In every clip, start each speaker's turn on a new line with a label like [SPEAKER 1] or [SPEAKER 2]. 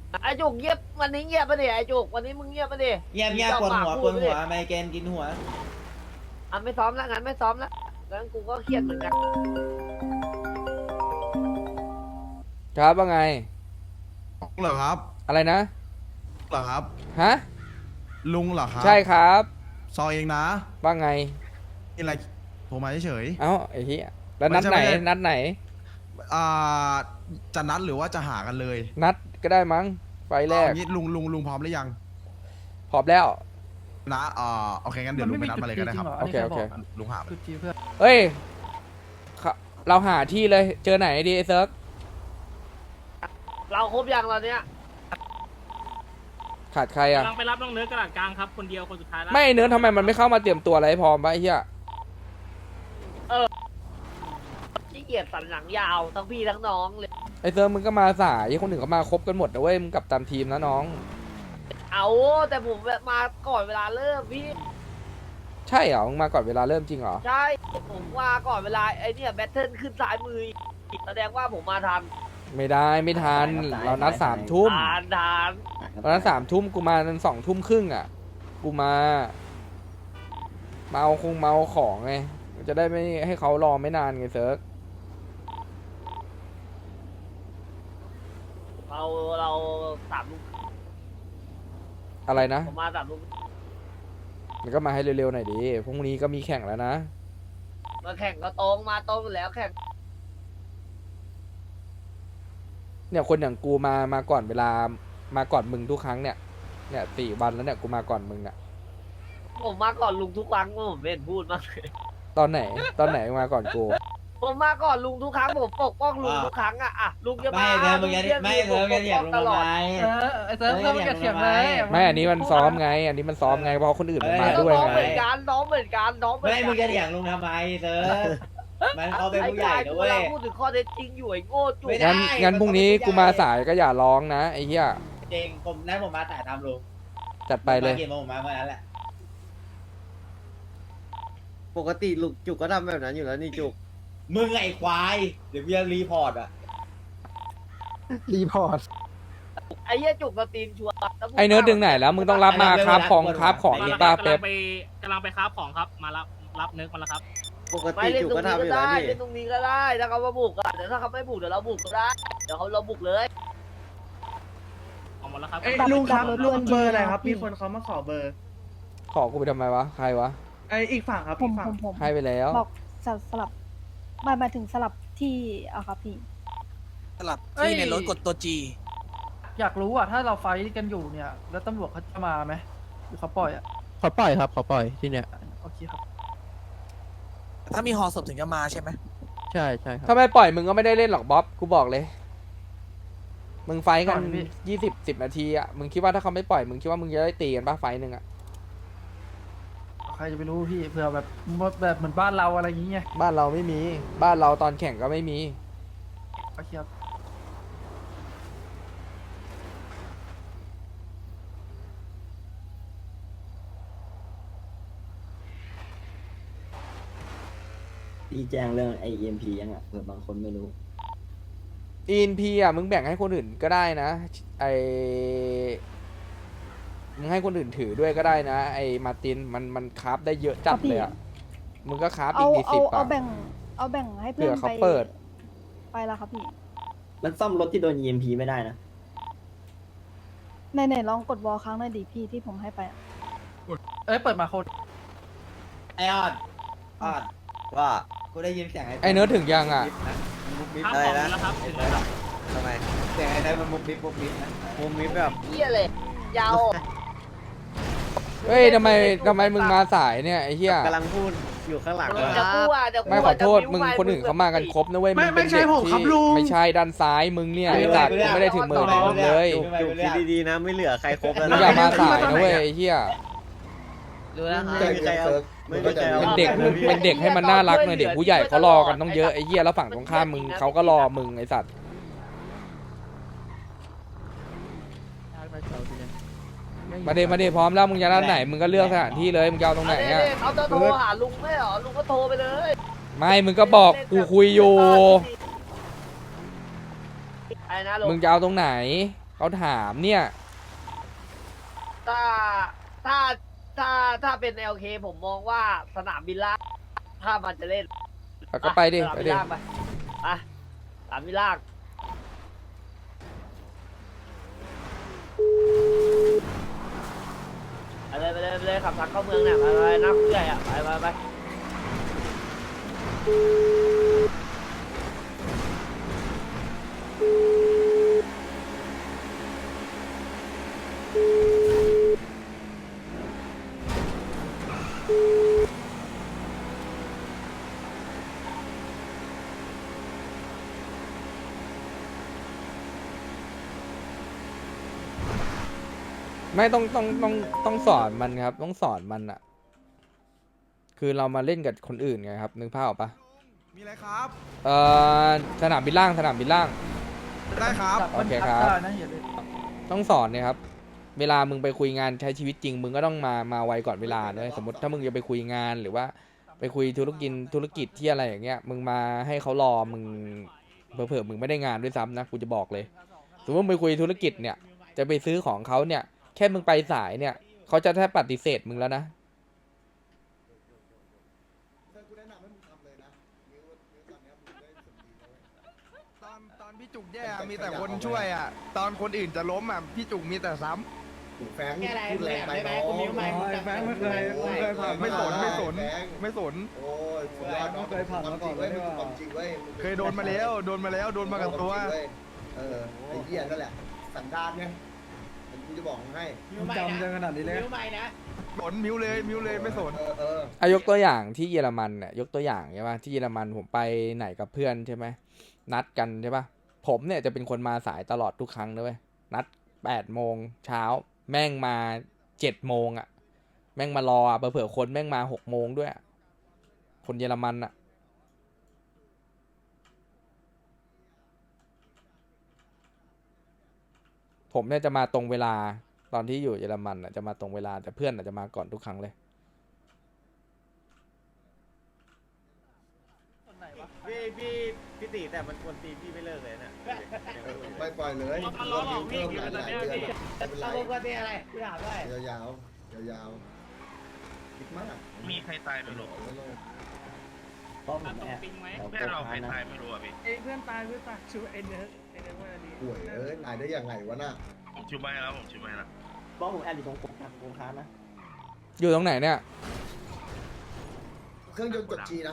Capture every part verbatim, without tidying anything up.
[SPEAKER 1] ไอ้จุกเงียบวันนี้เงียบปะเนี่ยไอ้จุกวันนี้มึงเงียบปะเนี่ย
[SPEAKER 2] เงียบเงียบปวดหัวปวดหัวไมเกรนกินหัว
[SPEAKER 1] อ่ะไม่ซ้อมแล้วงั้นไม่ซ้อมแล้วงั้นกูก็เครียดเหมือนกัน
[SPEAKER 3] ครับว่าไง
[SPEAKER 4] เหรอครับ
[SPEAKER 3] อะไรนะ
[SPEAKER 4] เหรอครับ
[SPEAKER 3] ฮะ
[SPEAKER 4] ลุงเหรอครับ
[SPEAKER 3] ใช่ครับ
[SPEAKER 4] ซอยเองนะ
[SPEAKER 3] ว่าไง
[SPEAKER 4] นี่อะไรโทรมาเฉย
[SPEAKER 3] เอ้าไอ้เหี้ยแล้วนัด
[SPEAKER 4] ไม่
[SPEAKER 3] ไหน
[SPEAKER 4] ใช่ไม่ใช่
[SPEAKER 3] นัดไหน
[SPEAKER 4] ๆอ่าจะนัดหรือว่าจะหากันเลย
[SPEAKER 3] นัดก็ได้มั้งไฟแรก
[SPEAKER 4] เอางี้ลุงลุงลุงพร้อมหรือยัง
[SPEAKER 3] พร้อมแล้ว
[SPEAKER 4] นะอ่าโอเคงั้นเดี๋ยวลุงไปนัดมาเลยก็ได้ครับ
[SPEAKER 3] โอเคโอเค
[SPEAKER 4] ลุงหาไป
[SPEAKER 3] เฮ้ยเขาเราหาที่เลย เจอไหนดีไอ้เซิร์ก
[SPEAKER 1] เราครบยังตอนเนี้ย
[SPEAKER 3] ขาดใครอ่ะ
[SPEAKER 5] กำลังไปรับน้องเนื้อกระดาษกลางครับคนเดียวคนสุดท้ายแล้ว
[SPEAKER 3] ไม่เนื้อทำไมมันไม่เข้ามาเตรียมตัวอะไรให้พร้อมปะไอ้เหี้ย
[SPEAKER 1] ขี้เกียจสันหลังยาวทั้งพี่ทั้งน้องเลย
[SPEAKER 3] ไอ้เซิร์กมึงก็มาสายไอ้คนอื่นก็มาครบกันหมดนะเว้ยมึงกลับตามทีมนะน้อง
[SPEAKER 1] เอาแต่ผมมาก่อนเวลาเริ่มพี่
[SPEAKER 3] ใช่เหรอมึงมาก่อนเวลาเริ่มจริงเหรอ
[SPEAKER 1] ใช่ผมมาก่อนเวลาไอ้เนี่ยแบทเทิลขึ้นซ้ายมืออีกแสดงว่าผมมาทัน
[SPEAKER 3] ไม่ได้ไม่ทันเรานัดสามทุ่ม
[SPEAKER 1] ทานทาน
[SPEAKER 3] ตอนนั้นสามทุ่มกูมาตอนสองทุ่มครึ่งอ่ะ กูมามาเอาคงมาเอาของไง จะได้ไม่ให้เขารอไม่นานไงเซิร์ก
[SPEAKER 1] เราเราสามลูก
[SPEAKER 3] อะไรนะ
[SPEAKER 1] ผมมาสามลูก
[SPEAKER 3] มันก็มาให้เร็วๆหน่อยดิพรุ่งนี้ก็มีแข่งแล้วนะ
[SPEAKER 1] มาแข่งก็ตรงมาตรงอยู่แล้วแข่ง
[SPEAKER 3] เนี่ยคนอย่างกูมามาก่อนเวลามาก่อนมึงทุกครั้งเนี่ย เนี่ยสี่วันแล้วเนี่ยกูมาก่อนมึงเนี่ย
[SPEAKER 1] ผมมาก่อนลุงทุกครั้งผมไม่เห็นพูดมากเลย
[SPEAKER 3] ตอนไหนตอนไหนมาก่อนกู
[SPEAKER 1] ผมมาก่อนลุงทุกครั้งผมปกป้องลุงทุกครั้งอะอะลุงจะ
[SPEAKER 2] ไม่
[SPEAKER 1] มา
[SPEAKER 2] เธอมึงจะไม่เธอมึงจะเถียงลุงทำไม
[SPEAKER 6] เออไอ้เซิร์ฟเซิร์ฟมันจะเถียงเลย
[SPEAKER 3] ไม่อันนี้มันซ้อมไง อันนี้มันซ้อมไงเพราะคนอื่นมันมาด้วย
[SPEAKER 1] น้อง
[SPEAKER 3] ไง
[SPEAKER 1] เหมือนกันน้องเหมือนกันน้องเหมือน
[SPEAKER 2] ไม่
[SPEAKER 1] กัน
[SPEAKER 2] มึงจะเถียงลุงทำไมเธอมันเขาเป็นผู้ใหญ่
[SPEAKER 1] ไอ้
[SPEAKER 2] นะ
[SPEAKER 1] กา
[SPEAKER 2] เว้
[SPEAKER 1] ร
[SPEAKER 2] ย
[SPEAKER 1] พูดถึงข้อเท็จจริงอยู่ไอ้โง่จุก
[SPEAKER 2] ไม่ได้
[SPEAKER 3] งั้นงั้นพรุ่งนี้กูมาสายก็อย่าร้องนะไอ้เหี้ย
[SPEAKER 2] จริงผมนั่นผมมาแต่ทำลุง
[SPEAKER 3] จัดไปเลย
[SPEAKER 2] มากี่โมงผมมาเมื่อนั้นแหละ
[SPEAKER 7] ปกติลูกจุกก็ทำแบบนั้นอยู่แล้วนี่จุก
[SPEAKER 2] มึงไอ้ควายเดี๋ยวกูจะรีพอร์ตอ่ะ
[SPEAKER 6] รีพอร์ต
[SPEAKER 1] ไอ้เหี้ยจุกสตรีมชัวร์แล้วพูด
[SPEAKER 3] ไอ้เนื้อดึงไหนแล้วมึงต้องรับมาครับของครับของ
[SPEAKER 5] มา
[SPEAKER 3] อี
[SPEAKER 5] แล้ว
[SPEAKER 3] ก
[SPEAKER 5] ค
[SPEAKER 3] ป้า
[SPEAKER 5] รับ
[SPEAKER 3] เป๊ป
[SPEAKER 5] กำลังไปกำลังไปค้าบของครับมารับรับเนื้อมาแล้วครับ
[SPEAKER 7] ปก
[SPEAKER 1] ไม่
[SPEAKER 7] ติ
[SPEAKER 1] เล่น
[SPEAKER 7] จุก
[SPEAKER 1] ตรง
[SPEAKER 7] ก็
[SPEAKER 1] นี้
[SPEAKER 7] ทำอ
[SPEAKER 1] ก็
[SPEAKER 7] ยู่แล้ว
[SPEAKER 1] ได้
[SPEAKER 7] นี่
[SPEAKER 1] เล่นตรงนี้ก็ได้ถ้าเขามาบุกอะเดี๋ยวถ้าเขาไม่บุกเดี๋ยวเราบุกก็ได้เดี๋ยวเขาเราบุกเลย
[SPEAKER 5] ออกหมดแล้วครับ
[SPEAKER 6] เอ้ยลุงครับเบอร์อะไรครับ มีคนเขามาขอเบอร์
[SPEAKER 3] ขอกูไปทำไมวะใครวะ
[SPEAKER 6] ไอ้อีกฝั่งครับ
[SPEAKER 8] ผ
[SPEAKER 6] อี
[SPEAKER 8] ม
[SPEAKER 6] กฝั่
[SPEAKER 8] ผ
[SPEAKER 6] ง
[SPEAKER 8] มผม
[SPEAKER 3] ให้ไปแล้ว
[SPEAKER 8] บอกสลับสลับหมายหมายถึงสลับที่อะครับพี่
[SPEAKER 9] สลับที่ในรถกดตัวจี
[SPEAKER 6] อยากรู้อ่ะถ้าเราไฟท์กันอยู่เนี่ย แล้วตำรวจเขาจะมาไหมหรือเขาปล่อยอ่ะ
[SPEAKER 9] ขอปล่อยครับขอปล่อยที่เนี้ย
[SPEAKER 6] โอเคครับ
[SPEAKER 9] ถ้ามีฮอศพถึงจะมาใช่ไหมใช่ใช่ครับ
[SPEAKER 3] ถ้าไม่ปล่อยมึงก็ไม่ได้เล่นหรอกบ๊อบกูบอกเลย มึงไฟท์กัน
[SPEAKER 6] ก่อนพี่
[SPEAKER 3] ยี่สิบสิบนาทีอ่ะมึงคิดว่าถ้าเขาไม่ปล่อยมึงคิดว่ามึงจะได้ตีกันป่ะไฟท์หนึ่งอ่ะ
[SPEAKER 6] ใครจะไปรู้พี่เผื่อแบบแบบเหมือนบ้านเราอะไรอย่างเงี้ย
[SPEAKER 3] บ้านเราไม่มี บ้านเราตอนแข่งก็ไม่มี
[SPEAKER 6] โอเคครับ
[SPEAKER 7] พี่แจ้งเรื่องไอเอ็มพียังอ่ะเผื่อบางคนไม่รู้
[SPEAKER 3] อี เอ็น พี อ่ะมึงแบ่งให้คนอื่นก็ได้นะไอมึงให้คนอื่นถือด้วยก็ได้นะ ไอมาร์ตินมันมันคราฟได้เยอะจัดเลยอ่ะมึงก็คราฟอี
[SPEAKER 8] เอา
[SPEAKER 3] กดี
[SPEAKER 8] เอา
[SPEAKER 3] สิบ
[SPEAKER 8] เอา
[SPEAKER 3] อ่ะ
[SPEAKER 8] แบ่งเอาแบ่งให้เพื่อน
[SPEAKER 3] เผื่อเขา
[SPEAKER 8] ไป
[SPEAKER 3] เปิด
[SPEAKER 8] ไปแล้วครับพี่
[SPEAKER 7] มันซ่อมรถที่โดน อี เอ็ม พี ไม่ได้นะ
[SPEAKER 8] ในไหนลองกดวอลครั้งหน่อยดิพี่ที่ผมให้ไปอะ
[SPEAKER 6] เอ้ยเปิดมาโคตร
[SPEAKER 2] ไอออดออด
[SPEAKER 7] ว่า
[SPEAKER 2] กูได้ยินเสียง
[SPEAKER 3] ไอเนื้อถึงยังอ่ะ
[SPEAKER 2] มุกมิบ
[SPEAKER 5] ค้าบ
[SPEAKER 2] อะไร
[SPEAKER 5] ของ
[SPEAKER 2] นะ
[SPEAKER 5] แล้วครับถึงแล้วครับ
[SPEAKER 7] ทำไม
[SPEAKER 2] เสียงไอ้ได้มันมุกมิบมุกมิบนะ
[SPEAKER 7] มุมมิแบบ
[SPEAKER 1] เหี้ยเลยยาว
[SPEAKER 3] เฮ้ยทำไมทำไมมึงมาสายเนี่ยไอ้เหี้ย
[SPEAKER 7] กำลังพูดอยู่ข้างหลัง
[SPEAKER 1] เดี๋ยวจะพูดอะเดี๋ยว
[SPEAKER 3] ไม่ขอโทษมึงคนอื่นเขามากันครบนะเว้ย
[SPEAKER 6] ไม่
[SPEAKER 3] งเป็น
[SPEAKER 6] ไม่ใช่
[SPEAKER 3] เด็ก
[SPEAKER 6] ผมครับ
[SPEAKER 3] ที่
[SPEAKER 6] ลุง
[SPEAKER 3] ไม่ใช่ด้านซ้ายมึงเนี่ยไอ้สัตว์กูไม่ได้ถึงมือมึงเลย
[SPEAKER 7] จุกจุกคิดดีๆนะไม่เหลือใครครบแล้ว
[SPEAKER 3] มึงอย่ามาสายนะเว้ยไอ้เหี้ย
[SPEAKER 1] รู้แล้วครับ
[SPEAKER 7] ไม่มีใครเอาไม่มีใครเอา
[SPEAKER 3] เป็นเด็กมึงเป็นเด็กให้มันน่ารักหน่อยเด็กผู้ใหญ่เขารอกันต้องเยอะไอ้เหี้ยแล้วฝั่งตรงข้ามมึงเขาก็รอมึงไอ้สัตว์มาเดมาเดพร้อมแล้วมึงจะด้านไหนมึงก็เลือกสถานที่เลยมึงจะเอาตรงไหนอ่ะ
[SPEAKER 1] เขาจะโทรหาลุงไม่เหรอลุงก็โทรไปเลย
[SPEAKER 3] ไม่มึงก็บอกกูคุยอยู่
[SPEAKER 1] ไอ้นะลุง
[SPEAKER 3] มึงจะเอาตรงไหนเขาถามเนี่ย
[SPEAKER 1] ถ้าถ้าถ้าถ้าเป็น แอล เค ผมมองว่าสนามบินล่างถ้ามันจะเล่น
[SPEAKER 3] เอาก็ไปดิ
[SPEAKER 1] สนาม
[SPEAKER 3] ไป
[SPEAKER 1] บิน
[SPEAKER 3] ดิ
[SPEAKER 1] ล่างไปอ่ะสนามบินล่างไปเลยไปเลยไปเลยขับทางเข้าเมืองเนี่ยไปไปนักผู้ใหญ่อ่ะไปไปไป
[SPEAKER 3] ไม่ต้องต้องต้องต้องสอนมันครับ ต้องสอนมันอะคือเรามาเล่นกับคนอื่นไงครับนึกภาพออกปะ
[SPEAKER 4] มีอะไรครับ
[SPEAKER 3] เอ่อสนามบินล่างสนามบินล่าง
[SPEAKER 4] ได้ครับ
[SPEAKER 6] จับมัน
[SPEAKER 3] โอเค
[SPEAKER 6] พั
[SPEAKER 3] ครับ
[SPEAKER 6] ได้นะอย่าเลย
[SPEAKER 3] ต้องสอนเนี่ยครับ เวลามึงไปคุยงานใช้ชีวิตจริง มึงก็ต้องมามาไวก่อนเวลาด้วยสมมติถ้ามึงจะไปคุยงานหรือว่าไปคุยธุรกิจธุรกิจที่อะไรอย่างเงี้ยมึงมาให้เขารอมึงเผลอๆมึงไม่ได้งานด้วยซ้ำนะกูจะบอกเลยสมมติมึงไปคุยธุรกิจเนี่ยจะไปซื้อของเขาเนี่ยแค่มึงไปสายเนี่ยเขาจะแทบปฏิเสธมึงแล้วนะ
[SPEAKER 4] ตอนตอนพี่จุกแย่อะมีแต่คนช่วยอ่ะ ตอนคนอื่นจะล้มอ่ะ พี่จุกมีแต่ซ้
[SPEAKER 2] แฟงพูดแรงไปน้องแฟงไม่เคยไม่เคยผ่าน
[SPEAKER 4] ำไม่สนไม่สนไม่สน
[SPEAKER 2] โอ้ยสุดยอดน้องเคยผ่านมาก่อนเลยว่าความจริงเว้ย
[SPEAKER 4] เคยโดนมาแล้ว โดนมาแล้ว โดนมากับตัว
[SPEAKER 2] เออไอ้เหี้ยนั่นแหละสันดานไงกูจะบอกให้
[SPEAKER 9] จำจังขนาดนี้เลย
[SPEAKER 4] สนมิวเลยมิวเลยไม่สน
[SPEAKER 2] เออเออ
[SPEAKER 3] อายกตัวอย่างที่เยอรมันเนี่ยยกตัวอย่างใช่ปะที่เยอรมันผมไปไหนกับเพื่อนใช่ไหมนัดกันใช่ปะผมเนี่ยจะเป็นคนมาสายตลอดทุกครั้งเลยนัดแปดโมงเช้าแม่งมาเจ็ดโมงอ่ะแม่งมารออ่ะเผื่อๆคนแม่งมาหกโมงด้วยอะคนเยอรมันอ่ะผมเนี่ยจะมาตรงเวลาตอนที่อยู่เยอรมันอ่ะจะมาตรงเวลาแต่เพื่อนอ่ะจะมาก่อนทุกครั้งเลย
[SPEAKER 6] คนไหนวะ
[SPEAKER 10] พี่พี่พี่ตีแต่มันควรตีพี่ไม่เลิกเลยนะ
[SPEAKER 2] ไม่ปล่อยเลย
[SPEAKER 5] มันร้องออกพี่อยู่ตอนนี้พี่
[SPEAKER 2] ไม่เป็นไร
[SPEAKER 10] เอาควรตีอะไรพี่ถามด้วย
[SPEAKER 2] ยาวๆยาวๆคิดมาก
[SPEAKER 5] มีใครตายหรือหรอ
[SPEAKER 7] เพราะผม
[SPEAKER 5] ต
[SPEAKER 7] แอบ
[SPEAKER 5] ปิงไหม
[SPEAKER 7] แอบ
[SPEAKER 5] แค่เราใคร
[SPEAKER 7] นะ
[SPEAKER 5] ตายไม่รู้อ่ะพี่
[SPEAKER 10] เอ้ยเพื่อนตายเพื่อนตายช่วยไอ้เนิร์ดไอ้เนิร์ดว่าดี
[SPEAKER 2] ป่วยเอ้ยตายได้ยังไงวะน่ะ
[SPEAKER 5] ผมชื่อไม่แล้วผมชื่อไม่แล้ว
[SPEAKER 7] เพราะผมแอบอยู่ตรงโค้งครับโค้งค้านะ
[SPEAKER 3] อยู่ตรงไหนเนี่ย
[SPEAKER 2] เครื่องยนต์กดจีนะ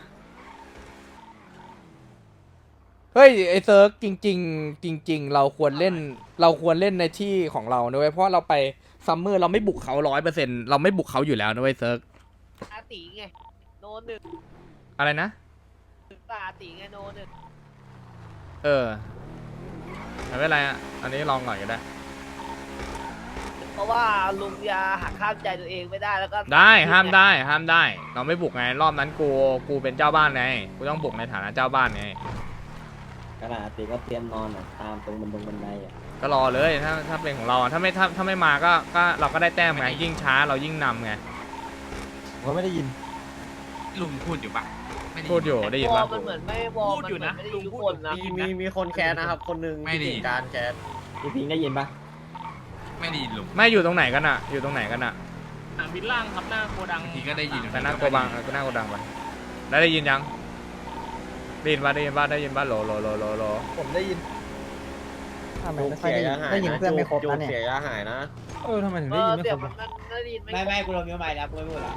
[SPEAKER 3] เฮ้ยไอเซิร์กจริง ๆ จริง ๆ เราควรเล่นเราควรเล่นในที่ของเรานะเว้ยเพราะเราไปซัมเมอร์เราไม่บุกเขาร้อยเปอร์เซ็นต์เราไม่บุกเขาอยู่แล้วนะเว้ยเซิร์ก
[SPEAKER 1] อาตีไงโนหนึ่ง
[SPEAKER 3] อะไรนะ
[SPEAKER 1] ตาอาตีไงโนหนึ่ง
[SPEAKER 3] เออไม่เป็นไรอ่ะอันนี้ลองหน่อยก็ได้
[SPEAKER 1] เพราะว่าลุงยาหักข้ามใจตัวเองไม่ได้แล้วก็
[SPEAKER 3] ได้ห้ามได้ห้ามได้ เราไม่บุกไงรอบนั้นกูกูเป็นเจ้าบ้านไงกูต้องบุกในฐานะเจ้าบ้านไง
[SPEAKER 7] ขนาดตีก็เตรียมนอนอ่ะ ตามตรงบันดงบันไดอ่ะ
[SPEAKER 3] ก็รอเลยถ้าถ้าเป็นของเราอะถ้าไม่ถ้าถ้าไม่มาก็ก็เราก็ได้แต้มไงยิ่งช้าเรายิ่งนำไง
[SPEAKER 9] ผมไม่ได้ยิน
[SPEAKER 5] ลุงพูดอยู่ปะ
[SPEAKER 3] พูดอยู่ได้ยิน
[SPEAKER 1] วอ
[SPEAKER 3] ปะ
[SPEAKER 1] ลมันเหมือนไม่วอลมันเหมือนไม่ได้ยินทุกคนนะ
[SPEAKER 10] มีมีมีคนแคสนะครับ คนหนึ่งที่ติดการแคส
[SPEAKER 7] พี่พิงได้ยินปะ
[SPEAKER 5] ไม่ได้ยินลุง
[SPEAKER 3] ไม่อยู่ตรงไหนกันอะอยู่ตรงไหนกันอะ
[SPEAKER 5] สนามบินล่างครับหน้าโกดังทีก็ได้ยิน
[SPEAKER 3] แต่หน้าโกบังก็หน้าโกดังไปแล้วได้ยินยังได้ยินปะได้ยินปะได้ยินปะโหลโหลโหลโหลโหล
[SPEAKER 9] ผมได้ยิน
[SPEAKER 10] จุกเสียยาหายได้ยินเพื่อนไม่ครบนะเนี่ยเสียยาหายนะ
[SPEAKER 9] เออทำไมถึง
[SPEAKER 1] เอ
[SPEAKER 9] ได้
[SPEAKER 1] อ
[SPEAKER 9] ยินไม่
[SPEAKER 1] เสี
[SPEAKER 9] ค
[SPEAKER 1] ย
[SPEAKER 9] รง บ
[SPEAKER 1] มันมันได้ยินไม่
[SPEAKER 2] ไม่ไม่กูโดนมิวใหม่แล้วกูไม่พูดละ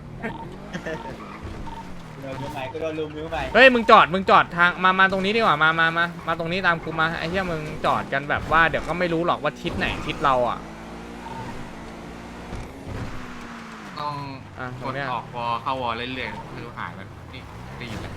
[SPEAKER 2] กูโดนมิวใหม่กูโดนลุมมิวใหม่
[SPEAKER 3] เฮ้ยมึงจอดมึงจอดทางมามาตรงนี้ดีกว่ามามามามาตรงนี้ตามกูมาไอ้เหี้ยมึงจอดกันแบบว่าเดี๋ยวก็ไม่รู้หรอกว่าทิศไหนทิศเราอ่ะ
[SPEAKER 5] ต้อง
[SPEAKER 3] อ่ะต
[SPEAKER 5] ก
[SPEAKER 3] รง
[SPEAKER 5] ด
[SPEAKER 3] เนี้ย
[SPEAKER 5] ออกวอเข้าวอเรื่อยๆคือหายมันนี่ได้ยินเลย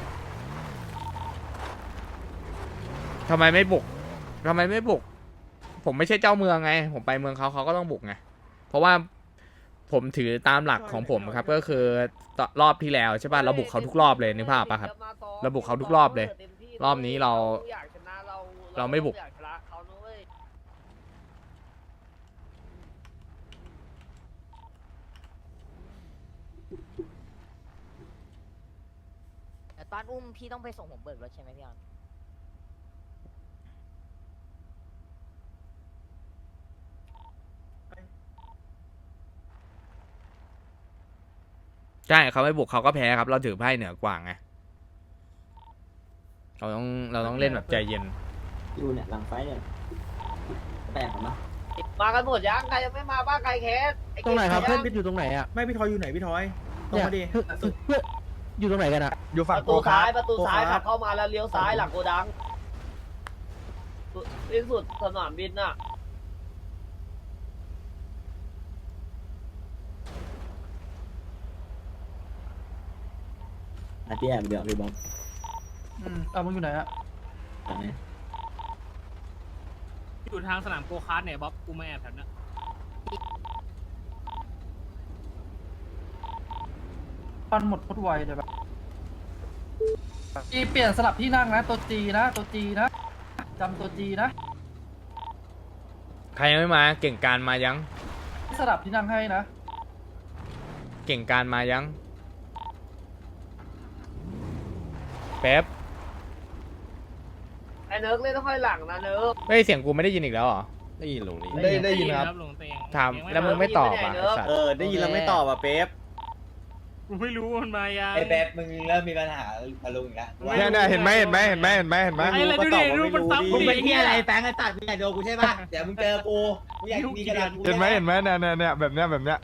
[SPEAKER 3] ทำไมไม่บุกทำไมไม่บุก ผมไม่ใช่เจ้าเมืองไง ผมไปเมืองเขาเขาก็ต้องบุกไงเพราะว่าผมถือตามหลักของผมครับก็คือรอบที่แล้วใช่ป่ะเราบุกเขาทุกรอบเลยนึกภาพป่ะครับ เราบุกเขาทุกรอบเลยรอบนี้เรา
[SPEAKER 1] อยากชนะเรา
[SPEAKER 3] เราไม่บุก
[SPEAKER 1] อยากชนะเขานะเว้ย
[SPEAKER 11] แต่ตอนอุ้มพี่ต้องไปส่งผมเบิกรถใช่ไหมพี่ออน
[SPEAKER 3] ใช่เขาไม่บุกเขาก็แพ้ครับ เราถือไพ่เหนือกว่าไงเราต้องเราต้องเล่นแบบใจเย็น
[SPEAKER 7] อยู่เนี่ยหลังไฟเนี่ยแปลกมั้ย
[SPEAKER 1] มากันหมดยังใครยังไม่มาบ้างใครแคสอ้
[SPEAKER 9] ตรงไหนครับ
[SPEAKER 1] ก่
[SPEAKER 9] เพื่อน
[SPEAKER 1] ยัง
[SPEAKER 9] พี่อยู่ตรงไหนอ่ะ
[SPEAKER 10] ไม่พี่ทอยอยู่ไหนพี่ทอยตรงมาดิ
[SPEAKER 9] เนี่ยเพื่อนเพื่อนอยู่ตรงไหนกันอ่ะ
[SPEAKER 4] อยู่
[SPEAKER 1] ป
[SPEAKER 4] ฝั่ง
[SPEAKER 1] ระ
[SPEAKER 4] โก
[SPEAKER 1] ตู
[SPEAKER 4] คา
[SPEAKER 1] ซ้าย
[SPEAKER 4] ร์
[SPEAKER 1] ประตูซ้าย
[SPEAKER 4] โกค
[SPEAKER 1] ขั
[SPEAKER 4] ร์
[SPEAKER 1] บเข้ามาแล้วเลี้ยวซ้ายหลังโกดังสิ้นสุดสนามบินน่ะ
[SPEAKER 7] อาเตี้ยเดี๋ยวพี่บอม
[SPEAKER 6] อืมเอามึงอยู่ไหนอะ
[SPEAKER 7] ตรงนี้
[SPEAKER 5] อยู่ทางสนามโกคาร์ทเนี่ยบ๊อบกูไม่แอบแถวนั้น
[SPEAKER 6] ปันหมดพุดไวเลยแบบจีเปลี่ยนสลับที่นั่งนะตัวจีนะตัวจีนะจำตัวจีนะ
[SPEAKER 3] ใครยังไม่มาเก่งการมายัง
[SPEAKER 6] สลับที่นั่งให้นะ
[SPEAKER 3] เก่งการมายังแป๊บ
[SPEAKER 1] ไอ้เนิร์กเล่นต้องค่อยหลังนะเนิร์ก
[SPEAKER 3] เฮ้ยเสียงกูไม่ได้ยินอีกแล้วเหรอ
[SPEAKER 10] ได้ยินลงนี้
[SPEAKER 4] ได้ได้ยินครับ
[SPEAKER 3] ถามแล้วมึงไม่ตอบอ่ะไอ้สัตว์
[SPEAKER 10] เออได้ยินแล้วไม่ตอบอ่ะเป๊ป
[SPEAKER 5] กูไม่รู้มันมายัง
[SPEAKER 10] ไอ้เป๊ปมึงเริ่มมีปัญหากับลุงอีกแล้ว
[SPEAKER 4] เนี่ยเนี่ยเห็นไหมเห็นไหมเห็นไหมเห็นไหมเห็นไหม
[SPEAKER 5] ไอ้อะไรดูดิดูมันซ้ำกู
[SPEAKER 10] มึง
[SPEAKER 5] ดิ
[SPEAKER 10] เป็นที่อะไรแฟงไอ้ตัดมึงอยากโดนกูใช่ป่ะเดี๋ยวมึงเจอกูมึงอยากมีกระดาษกู
[SPEAKER 4] เห็นไหมเห็นไหมเนี่ยเนี่ยเนี่ยแบบเนี้ยแบบเนี้ย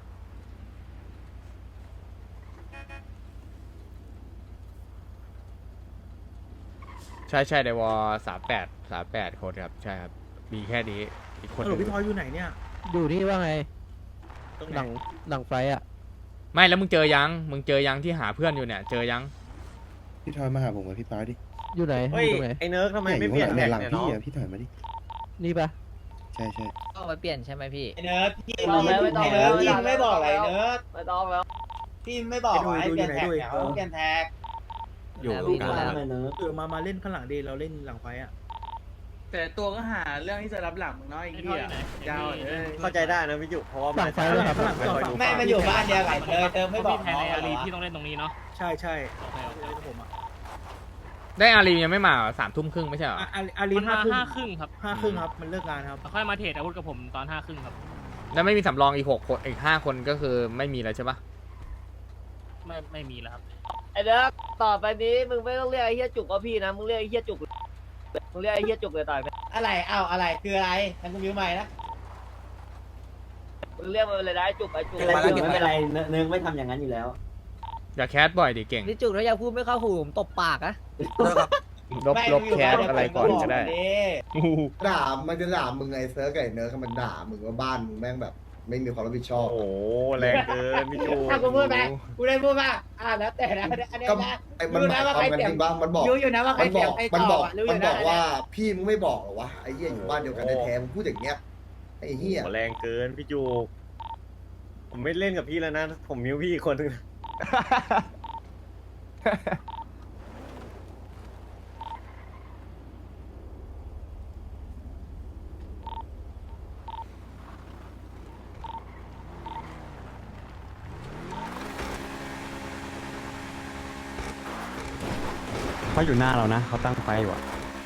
[SPEAKER 3] ใช่ใช่ในวอสามแปดสามแปดคนครับใช่ครับมีแค่นี้อีกคนห
[SPEAKER 10] หล
[SPEAKER 3] นึ่ง
[SPEAKER 10] พี่ทอยอยู่ไหนเนี่ย
[SPEAKER 9] อยู่นี่ว่าไง
[SPEAKER 10] ตรง
[SPEAKER 9] ห
[SPEAKER 10] ไหน
[SPEAKER 9] ลังหลังไฟอ่ะ
[SPEAKER 3] ไม่แล้วมึงเจอยังมึงเจอยังที่หาเพื่อนอยู่เนี่ยเจอยัง
[SPEAKER 2] พี่ทอยมาหาผมกับพี่ป้าดิ
[SPEAKER 9] อยู่ไหน
[SPEAKER 10] เฮ้ย
[SPEAKER 9] อยู่ตรงไหน
[SPEAKER 10] ไอ้เนิร์กทำไมไม่เปลี่ยนแท็กเนี่ยน้อง
[SPEAKER 2] พี่ถอยมาดิ
[SPEAKER 9] นี่ปะ
[SPEAKER 2] ใช่ใช่
[SPEAKER 11] ต้องไปเปลี่ยนใช่ไหมพี่
[SPEAKER 10] ไอ้เนิร์กพี่
[SPEAKER 1] ไม่ต้องแล้วไม่ต้องแล้ว
[SPEAKER 10] พี่ไม่บอกอะไรเนิร์ก
[SPEAKER 1] ไม่ต้องแล้ว
[SPEAKER 10] พี่ไม่บอกไอ้เปลี่ยนแท็กเนี่ยเขาเปลี่ยนแท็ก
[SPEAKER 11] อยู่
[SPEAKER 7] ดูกันแล้วเนอะ
[SPEAKER 10] เออมามาเล่นข้างหลังดีเราเล่นหลังไฟอ่ะ
[SPEAKER 12] แต่ตัวก็หาเรื่องที่จะรับหลังมึงเนาะไอ้เหี้ยยาวเลย
[SPEAKER 10] เข้าใจได้นะพี่จุเพราะว่า
[SPEAKER 9] หลังไฟเลยครับ
[SPEAKER 10] แม่มันอยู่บ้านเดียวกันเลยเติมไม่บอก
[SPEAKER 5] พี่แทนในอารีพี่ต้องเล่นตรงนี้เนาะ
[SPEAKER 10] ใช่ใช่
[SPEAKER 5] โอเคโอเค
[SPEAKER 10] ผมอ่ะ
[SPEAKER 3] ได้อารียังไม่มาเหรอสามทุ่มครึ่งไม่ใช่เหรอ
[SPEAKER 10] อารี
[SPEAKER 5] มัน
[SPEAKER 10] ห้า
[SPEAKER 5] มา
[SPEAKER 10] ครึ่ง
[SPEAKER 5] ห้าครึ่งครับ
[SPEAKER 10] ห้าครึ่งครับมันเลิกงานครับ
[SPEAKER 5] แล้วค่อยมาเทรดอาวุธกับผมตอนห้าครึ่งครับ
[SPEAKER 3] แล้วไม่มีสำรองอีกหกคนอีกห้าคนก็คือไม่มีแล้วใช่ปะ
[SPEAKER 5] ไม่ไม่มีแล้วครับ
[SPEAKER 1] ไอ้เนิร์กต่อไปนี้มึงไม่ต้องเรียกไอ้เฮียจุกว่าพี่นะมึงเรียกไอ้เฮียจุกมึงเรียกไอ้เฮียจุกเลยต่อยไป
[SPEAKER 10] อะไรอ้าวอะไรคืออะไรทางกูมิวใหม่นะ
[SPEAKER 1] มึงเรียกมันเลยนะไอ้จุกไอ้จุก
[SPEAKER 7] ไม่เป็นไรเนื้อไม่ทำอย่างนั้นอยู่แล้ว
[SPEAKER 3] อย่าแคสบ่อยดิเก่ง
[SPEAKER 11] นี่จุกแล้วอย่าพูดไม่เข้าหูผมตบปากอะ
[SPEAKER 3] ลบลบแคสอะไรก่อนก็ได้
[SPEAKER 2] ด่ามันจะด่ามึงไงเซิร์ฟไก่เนิร์กมันด่ามึงว่าบ้านมึงแม่งแบบ ไม่มีความรับผิดชอบ
[SPEAKER 4] โอ้แรงเกินพี่จู
[SPEAKER 10] ถ้ากูพูดไหมกูได้พูดป่ะอ่าแล้วแต่นะอันนี้
[SPEAKER 2] ก็
[SPEAKER 10] นะ
[SPEAKER 2] ไอ้มันหมายความกันจริงป่ะมันบอก
[SPEAKER 10] รู้อยู่นะว่าใคร
[SPEAKER 2] มันบ
[SPEAKER 10] เสีย
[SPEAKER 2] อง ก
[SPEAKER 10] ใคร
[SPEAKER 2] มัน
[SPEAKER 10] ต่
[SPEAKER 2] บ
[SPEAKER 10] อ
[SPEAKER 2] อก
[SPEAKER 10] อ่ะรู้อ
[SPEAKER 2] มัน
[SPEAKER 10] ยู่
[SPEAKER 2] บ
[SPEAKER 10] นะ
[SPEAKER 2] อกว่าพี่มึงไม่บอกเหรอวะไอ้เหี้ยอยู่บ้านเดียวกันแท้ๆมึงพูดอย่างเงี้ยไอ้เหี้ย
[SPEAKER 4] แรงเกินพี่จูผมไม่เล่นกับพี่แล้วนะผมมิวพี่อีกคนนึง
[SPEAKER 7] เขาอยู่หน้าเรานะเขาตั้งไฟอยู่อ่ะ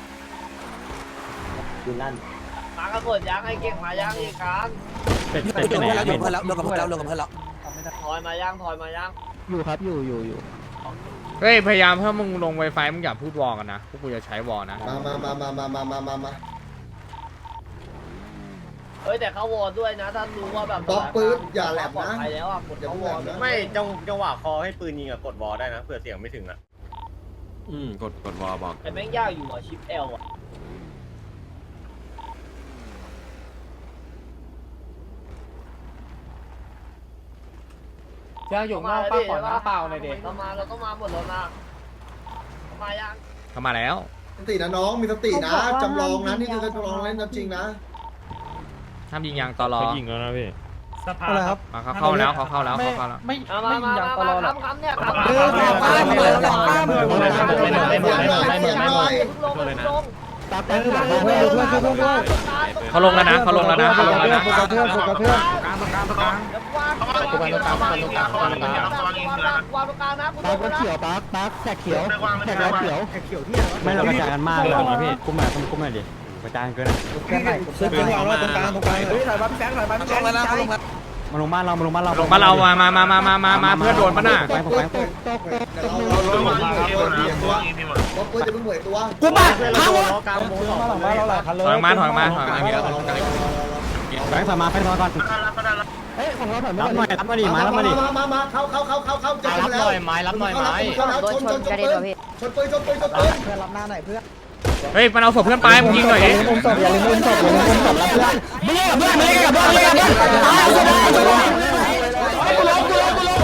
[SPEAKER 7] อยู่นั่น
[SPEAKER 1] มากันหมดยังไอ้เก่งมายังอีกครั้ง
[SPEAKER 9] เป็นเป็นเป็นแล้วลงกันแล้วลงกันแล้วลงกันแล้ว
[SPEAKER 1] ถอยมายังถอยมายัง
[SPEAKER 9] อยู่ครับอยู่อยู่อยู่
[SPEAKER 3] เฮ้ยพยายามถ้ามึงลงไวไฟมึงอย่าพูดวอลกันนะพวกกูจะใช้วอลนะ
[SPEAKER 2] มามามามามามามามามา
[SPEAKER 1] เฮ้ยแต่เขาวอร์ด้วยนะถ้ารู้ว่าแบบ
[SPEAKER 2] ป๊อปปื๊ดอย่าแหลม
[SPEAKER 1] ปลอด
[SPEAKER 2] นะ
[SPEAKER 1] ภัยแล้วอ่ะกด
[SPEAKER 2] อย่า
[SPEAKER 1] เขา
[SPEAKER 2] เพิ่ง
[SPEAKER 1] ว
[SPEAKER 2] แหล
[SPEAKER 1] อร์ด้วย
[SPEAKER 2] มนะ
[SPEAKER 4] ไม่จังจังหวะคอให้ปืนยิงอะกดวอลได้นะเผื่อเสียงไม่ถึงอะ
[SPEAKER 5] อืมกดกดวอลบอก
[SPEAKER 1] แต่แม่งยากอยู่อ่ะชิปเอลอ่ะ
[SPEAKER 9] เจ้าอยู่นอกป้าขอน้ำเปล่าหน่อยเด็ก
[SPEAKER 1] เรามาเราก็มาหมดแล้วนะมายัง
[SPEAKER 3] เข้ามาแล้ว
[SPEAKER 2] สตินะน้องมีสตินะจำลองนะนี่คือจำลองเล่นจริงนะ
[SPEAKER 3] ห้ามยิงยางตอรอ
[SPEAKER 4] ยิงแล้วนะพี่
[SPEAKER 5] สภา
[SPEAKER 9] อะไรครับ
[SPEAKER 3] มาเขาเข้าแล้วเขาเข้าแล้ว
[SPEAKER 6] ไม่
[SPEAKER 3] เขาเข้าแล้ว
[SPEAKER 6] ไม่
[SPEAKER 1] มา
[SPEAKER 6] ไม่
[SPEAKER 1] มา
[SPEAKER 6] ยิงยาง
[SPEAKER 1] มา
[SPEAKER 6] ตลอดหรอก
[SPEAKER 1] คำคำเนี่ยคำ
[SPEAKER 2] เออขอข้ามเลยขอข้ามเลย
[SPEAKER 1] ลงลง
[SPEAKER 9] ตาแป๊บหลังเพื่อนเพื่อนเพื่อนเพื่อน
[SPEAKER 3] เขาลงแล้วนะเขาลงแล้วนะเขาลงแล้วนะ
[SPEAKER 9] โฟกัสเพื่อนโฟกัสเพื่อน
[SPEAKER 1] วางวางตรงกลางนะ
[SPEAKER 9] ปาร์คเขียวปาร์คปาร์คแท็กเขียวแท็กแล้วเขียว
[SPEAKER 10] แขกเขียวที่อะไรวะ
[SPEAKER 7] ไม่เรากระจายกันมากเลยนะพี่กุ้มมากุ้มมาดิกระจายเกิน
[SPEAKER 10] แค่ไหนเสื้อเขียววางไว้ตรงกลางตรงกลาง
[SPEAKER 9] เฮ้ยถอยมาพี่แบงค์ถอยมาพี่แบงค์ลงแล้วนะลงแล้ว
[SPEAKER 10] มาลงบ้านเรามาลงบ้านเรา
[SPEAKER 3] ลงมาเรามามามามามามามาเพื่อนโดนปะน่ะ
[SPEAKER 2] เราเราเราเราปืนจะมึงหวยตัว
[SPEAKER 10] กูบ้า
[SPEAKER 1] พังวะกลางวงสอง
[SPEAKER 10] มาหลังบ้านเราหลายคันเลย
[SPEAKER 3] ถอยมาถอยมาถอยมาเยอะ
[SPEAKER 10] แบงค์ถอยมาแบงค์ถอยก่อนเฮ้ยของเราถอยมาหน่อยรับมาดิมารับมาดิ
[SPEAKER 2] มามามาเข้าเข้าเข้าเข้าเข้าจะแล้ว
[SPEAKER 11] ไม้รับหน่อยไม้
[SPEAKER 2] ชนชนชนปืนชนปืนชนปืนชนปืน
[SPEAKER 10] เพื่อนรับหน้าหน่อยเพื่อน
[SPEAKER 3] เฮ้ยมันเอาศพเพื่อนไปมึงยิงหน่อยดิ
[SPEAKER 10] อุ้มศพอย่าลืมอุ้มศพอย่าลืมอุ้มศพรับเพื่อนไม่ได้กับเพื่อนไม่ได้กับเพื่อนไม่ได้กับเพื่อนตายเอาศพเอาศพกูล้มกูล้มกูล้ม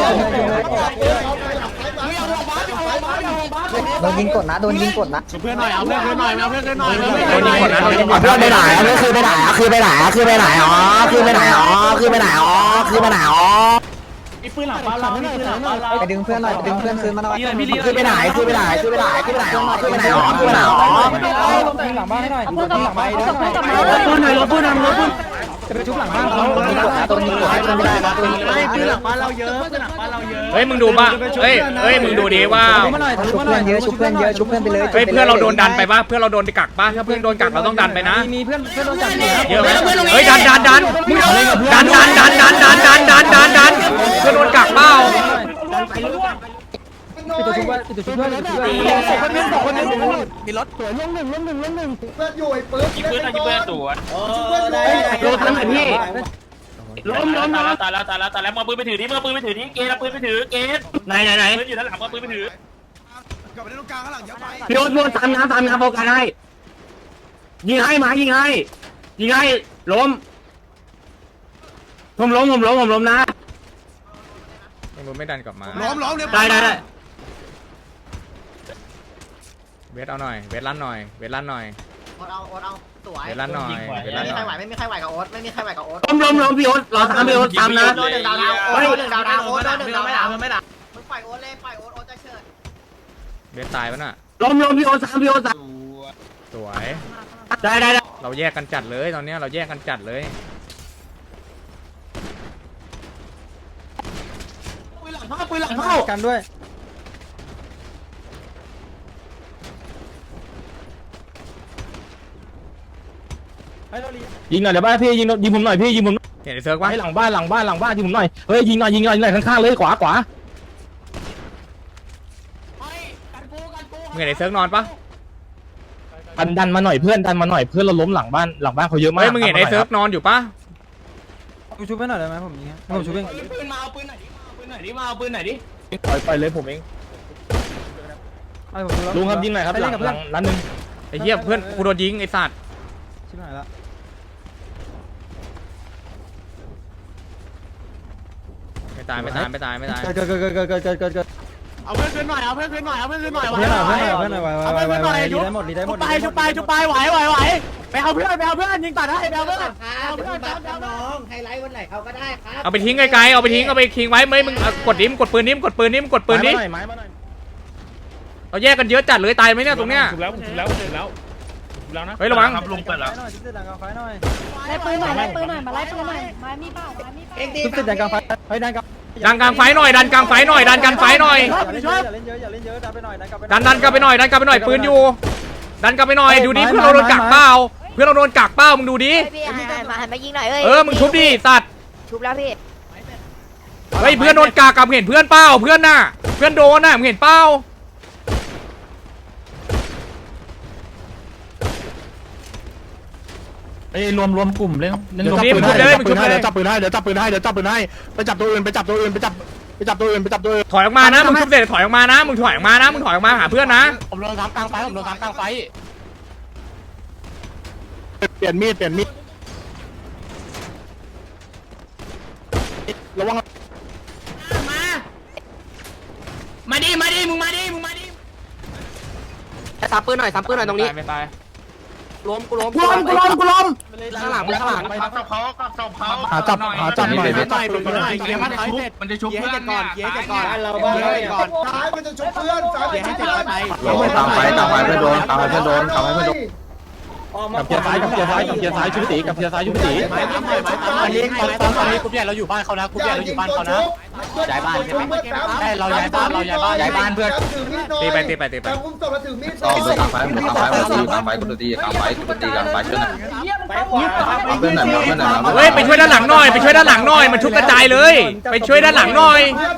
[SPEAKER 10] โดนยิงกดนะโดนยิงกดนะ
[SPEAKER 1] เพื่อนหน่อยเอาเพื่อนเพื่อนหน่อยเอาเพื่อนเพื่อนหน่อย
[SPEAKER 3] โดนยิงก่อนนะโดนยิงก่อน
[SPEAKER 10] เพื่อนไปไหนคือไปไหนคือไปไหนคือไปไหนอ๋อคือไปไหนอ๋อคือไปไหนอ๋อคือไปไหนอ๋อ
[SPEAKER 1] มีปืนหลังบ้านเรามีปืนหลังบ้านเรา
[SPEAKER 10] ไปดึงเพื่อนหน่อยไปดึงเพื่อนคืนมาหน่อยคือไปไหนคือไปไหนคือไปไหนคือไปไหนอ๋อคือไปไหนอ๋อคือไปไหนอ๋อหลังบ้านให้หน่อยหลังบ้านให้หน่อยปืนหน่อยรถปืนหน่อยรถปืนจะไปชุบหลังบ้านเขาตัวนี้กดให้ไม่ได้นะตัวนี้
[SPEAKER 1] ไม่ปืนหลังบ้านเราเยอะปืนหลังบ้านเราเยอะ
[SPEAKER 3] เฮ้ยมึงดูป่ะเฮ้ยเฮ้ยมึงดูดิว่า
[SPEAKER 10] ชุบเพื่อนเยอะชุบเพื่อนเยอะชุบเพื่อนไปเลย
[SPEAKER 3] เฮ้ยเพื่อนเราโดนดันไปป่ะเพื่อนเราโดนกักป่ะถ้าเพื่อนโดนกักเราต้องดันไปนะ
[SPEAKER 10] มีเพื่อนเพื่อนโดนจับ
[SPEAKER 3] เยอะไหมเฮ้ยดันดันดันดันดันดันดันดันดันดันดันดันเพื่อนโดนกักเปล่า
[SPEAKER 10] ปิดตัวชุบไว้ปิดตัวชุบไว้คนนึงสองคนนึงมีรถสวยลงหนึ่งลงหนึ่งลงหนึ่ง
[SPEAKER 2] เพื่อนอยู่ไอ้ปืน
[SPEAKER 5] ยิงเพื่อนยิงเพื่อนสวน
[SPEAKER 2] เพื่อนอยู่
[SPEAKER 1] โดนทำไมพี่
[SPEAKER 5] ล้มล้มตายแล้วตายแล้วตายแล้วตายแล้วมือปืนไปถือที่มือปืนไปถือที่เกณฑ์ปืนไปถือเกณฑ์
[SPEAKER 1] ไหนไหนไหน
[SPEAKER 5] ปืนอยู่ด้านหลังมือปืนไปถือก
[SPEAKER 4] ลับไปในตรงกลางข้างหลังอย่าไป
[SPEAKER 1] พี่โอ๊ตโดนตามน้ำตามน้ำโฟกัสให้ยิงให้มายิงให้ยิงให้ล้มผมล้มผมล้มผมล้มนะ
[SPEAKER 3] มึงไม่ดันกลับมา
[SPEAKER 4] ล้อมล้อมเนี่ย
[SPEAKER 1] ได้ได้ได้
[SPEAKER 3] เวทเอาหน่อยเวทลั่นหน่อยเวทลั่นหน่อย
[SPEAKER 11] โอ๊ตเอาโอ๊ตเอาสวย
[SPEAKER 3] เวทลั่นหน่อยเวทลั่นหน่อย
[SPEAKER 11] ไม่มีใครไหวกับโอ๊ตไม่มีใครไหวกับโอ๊ต
[SPEAKER 1] ล้มล้มล้มพี่โอ๊ตรอตามพี่โอ๊ตตามนะ
[SPEAKER 11] โดนหนึ่งดาวดาวโอ๊ตโดนหนึ่งดาวดาวโอ๊ตโดนหนึ่งดาวดาวไม่ด่ามึงปล่อยโอ๊ตเลยปล่อยโอ๊ตโอ๊ตจะเชิด
[SPEAKER 3] เวทตายปะน่ะ
[SPEAKER 1] ล้มล้มพี่โอ๊ตตามพี่โอ๊ตตาม
[SPEAKER 3] สวย
[SPEAKER 1] ได้ได้ได้
[SPEAKER 3] เราแยกกันจัดเลยตอนเนี้ยเราแยกกันจัดเลย
[SPEAKER 1] ปืนหลังเข้าปืนหลังเข้า
[SPEAKER 10] กันด้วย
[SPEAKER 1] ยิงหน่อยเดี๋ยวบ้านพี่ยิงยิงผมหน่อยพี่ยิงผม
[SPEAKER 3] เห็นไอ้เซิร์กปะ
[SPEAKER 1] ให้หลังบ้านหลังบ้านหลังบ้านยิงผมหน่อยเฮ้ยยิงหน่อยยิงหน่อยยิงหน่อยข้างๆเลยขวาขวา
[SPEAKER 3] มึงเห็นไอ้เซิร์กนอนปะ
[SPEAKER 1] ดันดันมาหน่อยเพื่อนดันมาหน่อยเพื่อนเราล้มหลังบ้านหลังบ้านเขาเยอะมาก
[SPEAKER 3] เฮ้ยมึงเห็นไอ้เซิร์กนอนอยู่ปะ
[SPEAKER 10] กูชุบให้หน่อยได้ไหมผมยิงผมชุบเอง
[SPEAKER 1] ปืนมาเอาปืนไหนดิปืนไหนดิมาเอาปืนไหนดิไปไปเลยผมเอง
[SPEAKER 10] ไอ้ผมชุบแล้ว
[SPEAKER 1] ลุงครับยิงหน่อยครับหลังหลังนัดนึง
[SPEAKER 3] ไอ้เหี้ยเพื่อนกูโดนยิงไอ้สัตว์
[SPEAKER 10] ชิบหายละ
[SPEAKER 3] ไม่ตายไม่ตายไม่ตายไม่ตาย
[SPEAKER 10] เกิดเกิดเกิดเกิดเกิดเกิดเกิดเกิด
[SPEAKER 1] เอาเพื่อนขึ้นหน่อยเอาเพื่อนขึ้นหน่อยเอาเพื่อนขึ้นหน่อย
[SPEAKER 10] เพื่อนหน่อยเพื่อนหน่อยเพื่อนหน่อยไหวไหวไหวไหวดีได้หมดดีได้หมด
[SPEAKER 1] ไปชุบไปชุบไปไหวไหวไหวไปเอาเพื่อนไปเอาเพื่อนยิงตัดให้ไปเอาเพื่อน
[SPEAKER 11] เอาเพื่อนบัฟน้องไฮไลท์วันไหนเขาก็ได้ครับ
[SPEAKER 3] เอาไปทิ้งไกลๆเอาไปทิ้งเอาไปทิ้งไว้ไม่มึงเอากดนิ้มกดปืนนิ้มกดปืนนิ้มกดปืนนี้
[SPEAKER 1] ไม้มาหน่อย
[SPEAKER 3] เราแยกกันเยอะจัดเลยตายไหมเนี่ยตรงเนี้ย
[SPEAKER 5] ถูกแล้วถูกแล้วถูกแล้วถูกแล้วนะ
[SPEAKER 3] เฮ้ยระวัง
[SPEAKER 5] ครับลุงเปิดแล้ว
[SPEAKER 10] หน่อยชุบเสร็จดังกลางไฟหน่อย
[SPEAKER 8] ไล่ปืนหน่อยไล่ปืนหน่อยมาไล่ปืนหน่อยไม้มีเปล่าไม้มีเปล่า
[SPEAKER 10] ชุบเสร็จดังกลางไฟเฮ้ยดังกลาง
[SPEAKER 3] ดันกลางไฟหน่อยดันกลางไฟหน่อยดันกลางไฟหน่อย
[SPEAKER 10] อย่าเล่นเยอะอย่าเล่นเยอะอย่าเล่นเยอะดันไปหน่อยดันกลับไป
[SPEAKER 3] ดันดันกลับไปหน่อยดันกลับไปหน่อยปืนอยู่ ดันกลับไปหน่อยดูดิเพื่อนเราโดนกักเปล่าเพื่อนเราโดนกักเปล่ามึงดูดิ
[SPEAKER 11] พี่หันมาหันมายิงหน่อยเอ้ย
[SPEAKER 3] เออมึงชุบดิสัตว์
[SPEAKER 11] ชุบแล้วพี่
[SPEAKER 3] เฮ้ยเพื่อนโดนกักกับเห็นเพื่อนเปล่าเพื่อนน่ะเพื่อนโดนน่ะมึงเห็นเปล่า
[SPEAKER 1] เอ้ยรวมรวมกลุ่มเลย
[SPEAKER 3] เดี๋ยวจับปืนให้เดี๋ยวจับปืนให้เดี๋ยวจับปืนให้
[SPEAKER 1] เดี๋ยวจับปืนให้เดี๋ยวจับปืนให้ไปจับตัวอื่นไปจับตัวอื่นไปจับไปจับตัวอื่นไปจับตัวอื่น
[SPEAKER 3] ถอยออกมานะมึงชุบเสร็จถอยออกมานะมึงถอยออกมานะมึงถอยออกมาหาเพื่อนนะ
[SPEAKER 1] ผมโดนซ้ำกลางไฟผมโดนซ้ำกลางไฟเปลี่ยนมีดเปลี่ยนมีดระวัง
[SPEAKER 5] มาดิมาดิมึงมาดิมึงมาดิ
[SPEAKER 1] ซับปืนหน่อยซับปืนหน่อยตรงนี้
[SPEAKER 3] ไม่ตาย
[SPEAKER 1] ล้มกูล้มกูล้มกูล้มกูล้มข้างหลังข้างหลัง
[SPEAKER 5] กับศพเขากับศพเขา
[SPEAKER 1] หาจับหาจับหน่อย
[SPEAKER 5] หน่อยหน่อยเกียร์มันชุบมันจะชุบเพื่อนก่อนเกียร์จะก่อน
[SPEAKER 2] เราบ้านเราก่อนซ้ายมันจะชุบเพื่อนซ้ายมันจะชุบเพื่อน
[SPEAKER 10] ตามไฟตามไฟเพื่อนโดนตามไฟเพื่อนโดนตามไฟเพื่อนโดน
[SPEAKER 1] กับเกียร์ซ้ายกับเกียร์ซ้ายกับเกียร์ซ้ายชุบตีกับเกียร์ซ้ายชุบตี
[SPEAKER 10] อันนี้ตอนตอนตอนนี้
[SPEAKER 1] กลุ่มใหญ่เราอยู่บ้านเขานะกลุ่มใหญ่เราอยู่บ้านเขานะ
[SPEAKER 2] ย้ายบ้านใช่ไหม
[SPEAKER 1] ใช่เราย้ายบ้านเราย้ายบ้านย้ายบ้านเพื่อน
[SPEAKER 3] ตีไปตีไปตีไป
[SPEAKER 2] แต่อุ้มศพแล้วถือมีด
[SPEAKER 10] ต่อไปกลางไฟกลางไฟกลางไฟกูตีกลางไฟกูตีกลางไฟช่วยหน่อย
[SPEAKER 2] ไป
[SPEAKER 3] เฮ้ยไปช่วยด้านหลังหน่อยไปช่วยด้านหลังหน่อยมันชุบกระจายเลยไปช่วยด้านหลังหน่อย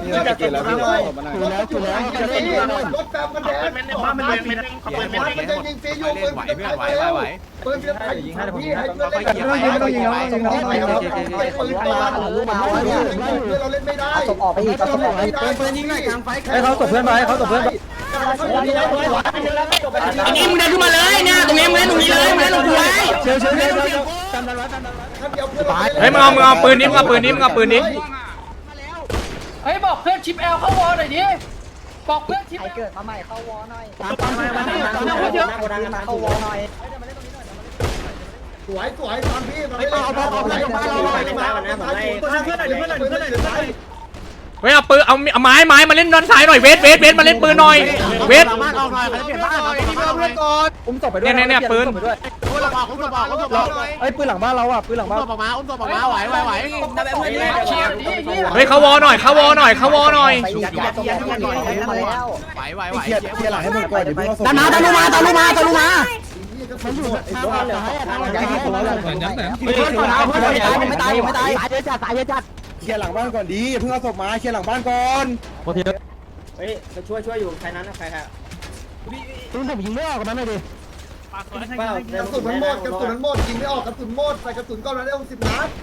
[SPEAKER 2] รถแบบมันแดง
[SPEAKER 5] เม็ดหนึ่งเม็ดหนึ่งเม็ดหนึ่งขบวนเม็ดหนึ่ง
[SPEAKER 2] มันจะยิงฟรีอยู่ปืนจะตายแล้วปืนจะตายยิงให้พี่ให้เพื่อนเล่นไม่ต้องยิงไม่ต้องยิงไม่ต้องยิงไม่ปืนตัวเราเล่นไม่ได้
[SPEAKER 10] ศพออกไปอีกศพออกไป
[SPEAKER 2] ปืนยิงหน่อยกลางไฟ
[SPEAKER 10] ให้เขาศพเพื่อนไปให้เขาศพเพื่อนไป
[SPEAKER 11] อันนี้มึงเดินขึ้นมาเลยเนี่ยตรงนี้มึงเล่นตรงนี้เลยมึงเล่นตรงนี้เลย
[SPEAKER 10] เชียวเชียวเชียวจำได้ไว้จำได้ไว้
[SPEAKER 3] เฮ้ยมึงเอามึงเอาปืนนี้มึงเอาปืนนี้มึงเอาปืนนี้
[SPEAKER 6] เฮ้ยบอกเพื่อนชิปแอลเข้าวอลหน่อยดิบอกเพื่อนชิป
[SPEAKER 10] ใครเกิดมาใหม่เข้าวอหน่อย
[SPEAKER 7] ตามตามมามาเข้าวอหน่อย
[SPEAKER 2] สวยสวยตามพี่ตามพี่เอาเอาเอาไล่มาเราไล่มาเพื่อนหน่อยเพื่อนหน่อยเพื่อนหน่อยเพื่อนหน่อย
[SPEAKER 3] เฮ้ยเอาปืนเอาเอาไม้ไม้มาเล่นด้านซ้ายหน่อยเวทเวทเวทมาเล่นปืนหน่อยเวท
[SPEAKER 10] บ้านออกหน่อยเขาจะเปลี่ยนบ้านนี่เพื่อนเพื่อนก่อนอุ้มศพไปด้วย
[SPEAKER 3] เนี่ยเนี่ยปืน
[SPEAKER 10] อุ้มศพออกอุ้มศพออกอุ้มศพออกเฮ้ยปืนหลังบ้านเราอ่ะปืนหลังบ้านอุ้มศพออกมาอุ้มศพออกมาไหวไหวไหว
[SPEAKER 3] เฮ้ยเขาวอหน่อยเขาวอหน่อยเขาวอหน่อย
[SPEAKER 10] ไหวไหวไหวเคลียร์เคลียร์หลังให้หมดก่อนเดี๋ยวพี่เอาศพ
[SPEAKER 11] ตามมาตามลงมาตามลงมาตามลงมา
[SPEAKER 10] มันอยู่ทางเหลือทางย้ายที่ผมแล้วเพื่อนเพื่อนเพื่อนไม่ตายไม่ตายไม่ตายสายเยอะจัดสายเยอะจัดเคลียร์หลังบ้านก่อนดีเพิ่งเอาศพมาเคลียร์หลังบ้านก่อนโอเค
[SPEAKER 7] เฮ้ยไปช่วยช่วยอยู่ใครนั้นใครครับ
[SPEAKER 10] ปืนผมยิงไม่ออกกันนั้นเลยดิ
[SPEAKER 2] กระสุนมันหมดกระสุนมันหมดยิงไม่ออกกระสุนหมดใส่กระสุนก้อนนั้นได้หกสิบนัด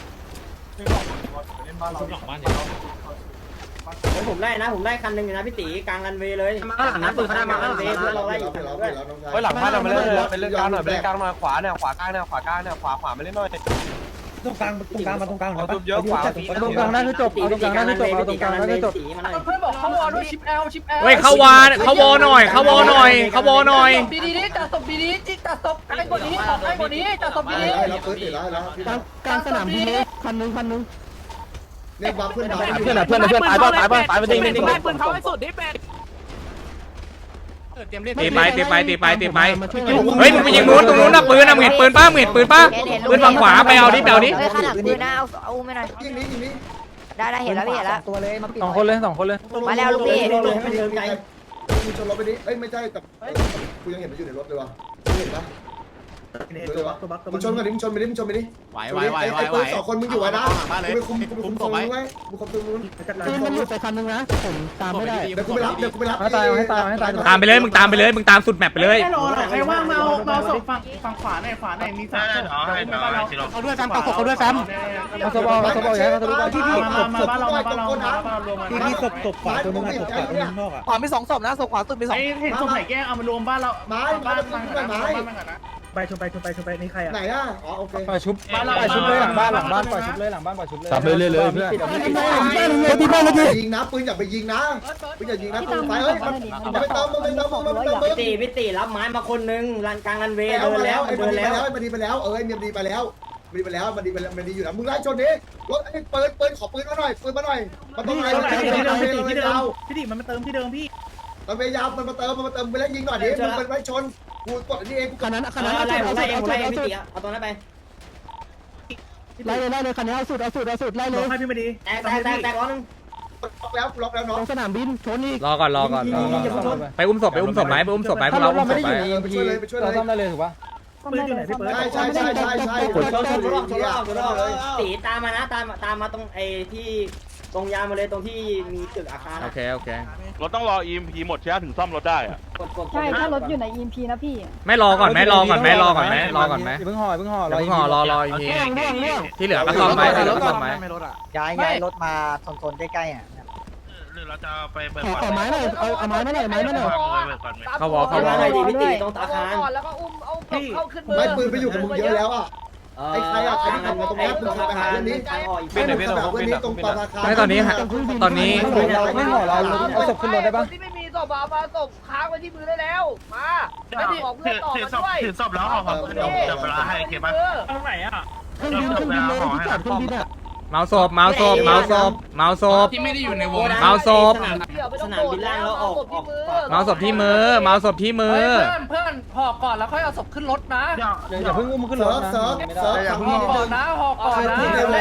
[SPEAKER 7] ผมไล่นะผมไล่คันหนึ่งอยู่นะพี่ตีกลางรันเวย์เลยมาหลังนะปืนเขาได้มาหลังเวย์เราไล่อยู่คันด้วย
[SPEAKER 2] เฮ้ยหลังบ้านเราไปเล่นไปเล่นกลางหน่อยไปเล่นกลางหน่อยขวาเนี่ยขวากลางเนี่ยขวากลางเนี่ยขวาขวาไม่เล่นหน่อย
[SPEAKER 10] ตรงกลางตรงกลางมาตรงกลาง
[SPEAKER 2] เอาเยอะขวา
[SPEAKER 10] ตรงกลางนั่นคือจบเอาตรงกลางนั่นคือจบเอาตรงกลางนั่นคือจบ
[SPEAKER 6] เพื่อนบอกเข้าวอลด้วยชิปแอลชิปแอล
[SPEAKER 3] เฮ้ยเขาวาเขาวอหน่อยเขาวอหน่อยเขาวอหน่อย
[SPEAKER 6] ดีดีนี้จัดศพดีดีจิจัดศพใกล้กว่านี้ออกใกล้กว่านี้จัดศพดีดี
[SPEAKER 2] แล้วปืนติดแล้วแล้ว
[SPEAKER 10] กลางสนามบินคันนึงคันนึง
[SPEAKER 2] เนี่ยบัฟขึ้นมา
[SPEAKER 10] เพื่อนเพื่อนเพื่อนตายป่ะตายป่ะตายไปจริงจริง
[SPEAKER 11] ปืนเขาให้สุดดิเป็ด
[SPEAKER 3] ตีไปตีไปตีไปตีไปเฮ้ยมึงไปยิงนู้นตรงนู้นนะปืนนะมึงเห็นปืนป้ามึงเห็นปืนป้าปืนฝั่งขวาไปเอาดิไปเอาดิ
[SPEAKER 8] เฮ้ยขนาดปืนนะเอาเอาไม่หน่อย
[SPEAKER 2] ยิงนี้ยิงนี้
[SPEAKER 8] ได้ได้เห็นแล้วพี่เห็นแล้ว
[SPEAKER 10] ตัวเลยมาสองคนเลยสองคนเลย
[SPEAKER 8] มาแล้วลูกพี่
[SPEAKER 2] ให้มันเดินไกลมึงชนรถไปดิเอ้ยไม่ใช่แต่กูยังเห็นมันอยู่ในรถเลยวะเห็นปะมึงชนกันดิมึงชนไปดิมึงชนไปดิ
[SPEAKER 9] ไหวไหวไหวไหว
[SPEAKER 2] ไอ้
[SPEAKER 9] ไหว
[SPEAKER 2] ปืนสองคนมึงอยู่ไว้นะกูไปคุมกูไปคุมตรงนู้นไว้กูคุมตรงนู้น
[SPEAKER 10] ปืนมันหลุดไปคันนึงนะผมตามไม่ได้
[SPEAKER 2] เดี๋ยวกูไปรับเดี๋ยวกูไปรับ
[SPEAKER 10] ให้ตายให้ตายให้ตาย
[SPEAKER 3] ตามไปเลยมึงตามไปเลยมึงตามสุดแมปไปเลย
[SPEAKER 12] ใครว่างมาเอามาศพฝั่งฝั่งขวาหน่อยขวาหน่อยมีสามศพ
[SPEAKER 10] เขาด้วยแฟมเขาเขาด้วยแฟมเขาสบอเขาสบอใหญ่เขาสบอที่พี่
[SPEAKER 12] มามาบ้านเรามาบ้านเรามาบ้านเรารวมมา
[SPEAKER 2] ที่พี่ศพศพขวาตัวนึงศพขวาตัวนึงนอกอ่ะ
[SPEAKER 10] ขวามีสองศพนะศพขวาสุดมีสอง
[SPEAKER 12] ไอ้เห็นศพไหนแกล้งเอามารวมบ้านเรา
[SPEAKER 2] ไม้
[SPEAKER 12] บ้าน
[SPEAKER 2] ไม้
[SPEAKER 12] บ้าน
[SPEAKER 2] ไม้
[SPEAKER 12] บ้าน
[SPEAKER 2] ไม้
[SPEAKER 12] บ้านก่อนนะ
[SPEAKER 10] ไปชนไปชนไปชนไปนี่ใครอ่ะ
[SPEAKER 2] ไหนอ่ะอ๋อโอเค
[SPEAKER 10] ปล่อยชุบปล่อยชุบเลยหลังบ้านหลังบ้านปล่อยชุบเลยหลังบ้านปล่อยชุบเลย
[SPEAKER 2] จับเลยเลยเลยเพื่อน
[SPEAKER 10] ที่บ้านเลย
[SPEAKER 2] ยิงนะปืนอย่าไปยิงนะปืนอย่ายิงนะปืนไฟเฮ้ยมันไปเติมมันไปเติมมันไปเติม
[SPEAKER 7] พี่ตีพี่ตีรับไม้มาคนนึงรันกลางรันเวย์
[SPEAKER 2] แล้ว
[SPEAKER 7] เดิน
[SPEAKER 2] มา
[SPEAKER 7] แล้
[SPEAKER 2] แล้ว
[SPEAKER 7] ว
[SPEAKER 2] ไอ้
[SPEAKER 7] เดิ
[SPEAKER 2] มัน
[SPEAKER 7] น
[SPEAKER 2] ดีไป
[SPEAKER 7] แล้ว
[SPEAKER 2] แล้วไอ้มันดีไปแล้วเออไอ้มันดีไปแล้วมันดีไปแล้วมันดีไปแล้วมันดีอยู่นะมึงไล่ชนดิรถไอ้ปืนปืนขอปืนมาหน่อยปืนมาหน่อยมันต้องไล่มันเติมที่เดิมที่เดิม
[SPEAKER 12] พี่ดิมันมาเติมที่เดิมพี่
[SPEAKER 2] มันพยายามมันมาเติมมันมาเติมไปแล้วยิงหน่อยดิมึงเป็นไล่ชนกูกดอันนี้เองกู
[SPEAKER 10] คันนั้นคัน
[SPEAKER 7] เอ
[SPEAKER 10] นั้น
[SPEAKER 7] อ
[SPEAKER 10] เอา
[SPEAKER 7] ไล่
[SPEAKER 10] สุด
[SPEAKER 7] ไล่
[SPEAKER 10] เอา
[SPEAKER 7] ไล่
[SPEAKER 10] สุดเอาสุด
[SPEAKER 7] พี่ตีเอาตรงนั้นไป
[SPEAKER 10] ไล่เลยไล่เลยคันนี้เอาสุดเอาสุดเอาสุดไล่เลย
[SPEAKER 12] ให้พี่มาดี
[SPEAKER 7] แตกแตกแตกแตกร้อนนึง
[SPEAKER 2] ล็อกแล้วล็อกแล้ว
[SPEAKER 10] ต
[SPEAKER 2] น้อง
[SPEAKER 10] รงสนามบินชนอีก
[SPEAKER 3] รอก่อนรอก่อนรอก่อนไปอุ้มศพไปอุ้มศพไหมไปอุ้มศพไหมพวกเราอุ้มศพไหม
[SPEAKER 2] ไปช่วยเลยไปช่วยเล
[SPEAKER 10] เรา
[SPEAKER 2] ย
[SPEAKER 10] ซ่อมได้เลยถูกปะ
[SPEAKER 12] ปืนอยู่ไหนพี่เปิด
[SPEAKER 2] ใช่ใช่ใช่ใช่ใช่
[SPEAKER 7] ชนชนชนรอบชนรอบชนรอบตีตามมานะตามตามมาตรงไอ้ที่ตรงยาวมาเลยตรงที่มีตึกอาคาร
[SPEAKER 3] โอเคโอเค
[SPEAKER 5] รถต้องรอ อี เอ็ม พี หมดใช่ไหมถึงซ่อมรถได้อะ
[SPEAKER 7] กดกด
[SPEAKER 8] ใช่ถ้ารถอยู่ใน อี เอ็ม พี นะพี่
[SPEAKER 3] ไม่รอก่อนไหมรอก่อนไหมรอก่อนไหมรอก่อนไหม
[SPEAKER 10] อย่าเพิ่งห่ออย่าเพิ่งห่อ
[SPEAKER 3] เดี๋ยวเพิ่งห่อรอรออีกที
[SPEAKER 10] เรื่องเรื่องเรื่อง
[SPEAKER 3] ที่เหลือก็ซ่อมไหมที่เหลือก็ซ่อมไหม
[SPEAKER 10] ย้ายย้ายรถมาโซนๆใกล้ๆอ่ะ
[SPEAKER 5] หรือเราจะไปเบิก
[SPEAKER 10] ขอขอไม้หน่อยเอาเอาไม้มาหน่อยไม้มาหน่อย
[SPEAKER 3] เขาวอเขาวอ
[SPEAKER 7] อะไรดีพี่ตีตรงอาคาร
[SPEAKER 1] ก่อนแล้วก็อุ้มเอาเข้าขึ้นมือ
[SPEAKER 2] ไม่ปืนไปอยู่กับมึงเยอะแล้วอ่ะ ไอ้ใครอะใครที่ทำมาตรงนี้มึงขับไปหาเรื่องนี้
[SPEAKER 7] ทางออกอีก
[SPEAKER 2] ไม่มึงขับไปหาเรื่องนี้ตรงปาราคา
[SPEAKER 3] ไม่ตอนนี้ฮะตอนนี้
[SPEAKER 10] ไม่ห่อเราเอาศพขึ้นรถได้ปะ
[SPEAKER 1] ที่ไม่มีศพเอามาศพค้างไว้ที่มือได้แล้วมาไม่ได้บอกเพื่อนต่อ
[SPEAKER 5] ถือ
[SPEAKER 1] มา
[SPEAKER 5] ศพ
[SPEAKER 1] ด้วย
[SPEAKER 5] ถือศพแล้วห่อของขึ้นรถเดี๋ยวเวลาให้โอเคปะตรงไหนอ่ะ
[SPEAKER 10] เครื่องบินเครื่องบินเลยที่จอดเครื่องบินอ่ะ
[SPEAKER 3] เมาศพเมาศพเมาศพเมาศพ
[SPEAKER 5] ที่ไม่ได้อยู่ในวง
[SPEAKER 3] เมาศพ
[SPEAKER 7] สนามบินล่างแล้วออกออก
[SPEAKER 3] เมาศพที่มือเมาศพที่มือ
[SPEAKER 6] เพื่อนเพื่อนห่อก่อนแล้วค่อยเอาศพขึ้นรถนะ
[SPEAKER 10] อย่าเพิ่งอุ้มขึ้นร
[SPEAKER 2] เซิ
[SPEAKER 10] ถ
[SPEAKER 2] ร์ฟ
[SPEAKER 10] นะ
[SPEAKER 2] เซิร์ฟเซิร์ฟขับ
[SPEAKER 6] ห่อก่อนนะห่อก่อนนะ